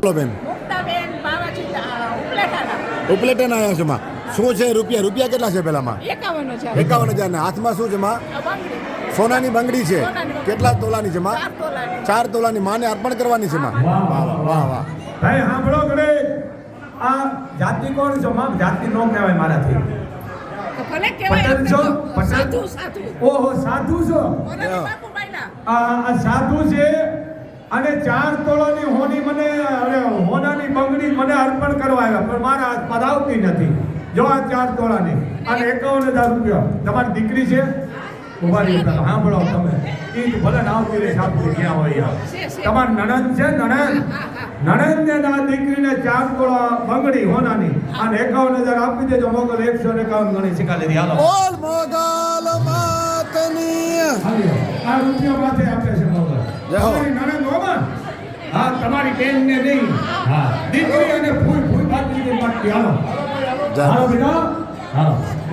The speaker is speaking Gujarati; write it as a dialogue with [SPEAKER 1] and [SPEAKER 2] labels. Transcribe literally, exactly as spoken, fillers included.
[SPEAKER 1] બેન
[SPEAKER 2] મુક્તાબેન બાવાજી ઉપલેટાના
[SPEAKER 1] ઉપલેટન આવ્યા છે માં શું છે રૂપિયા રૂપિયા કેટલા છે પેલામાં
[SPEAKER 2] એકાવન હજાર
[SPEAKER 1] એકાવન હજાર ને હાથમાં શું છે માં
[SPEAKER 2] બંગડી
[SPEAKER 1] સોનાની બંગડી છે
[SPEAKER 2] સોનાની બંગડી.
[SPEAKER 1] કેટલા તોલાની છે માં
[SPEAKER 2] ચાર તોલાની
[SPEAKER 1] ચાર તોલાની માને અર્પણ કરવાની છે માં વાહ વાહ વાહ વાહ
[SPEAKER 3] ભાઈ સાંભળો ઘરે આ જાતિ કોણ છો માં જાતિ નો કહેવાય મારાથી
[SPEAKER 2] તો ભલે કહેવાય
[SPEAKER 3] પટેલ છો? પટેલ?
[SPEAKER 2] સાધુ સાધુ
[SPEAKER 3] ઓહો સાધુ છો
[SPEAKER 2] ઓનાની બાપુભાઈના
[SPEAKER 3] આ આ સાધુ છે અને ચાર તોલાની હોની મને અરે હોનાની બંગડી મને અર્પણ કરવા આવ્યા પણ મારા હાથમાં આવતી નથી જો આ ચાર તોલાની અને એકાવન હજાર રૂપિયા તમારી દીકરી છે ઉભા રહી પેલા સાંભળો તમે ઈ તો ભલે ના આવતી રહે સાધુ ક્યાં હોય યાર
[SPEAKER 2] છે, છે.
[SPEAKER 3] તમારી નણંદ છે નણંદ નણંદ ને ના દીકરીને ચાર તોલા બંગડી હોનાની અને એકાવન હજાર આપી દેજો મોગલ એકસો ને એકાવન ગણી શીખા લીધી હાલો
[SPEAKER 1] ઓલ મોગલ માતની
[SPEAKER 3] હાલ્યો. આ રૂપિયા માથે આપે છે મોગલ
[SPEAKER 1] જય હો.
[SPEAKER 3] તમારી નણંદ હોમાં હા તમારી બેન ને નહીં હા દીકરી અને ફૂલ ફૂલ બાજરી માટે હાલો
[SPEAKER 1] જય હો.
[SPEAKER 3] હાલો બેટા હાલો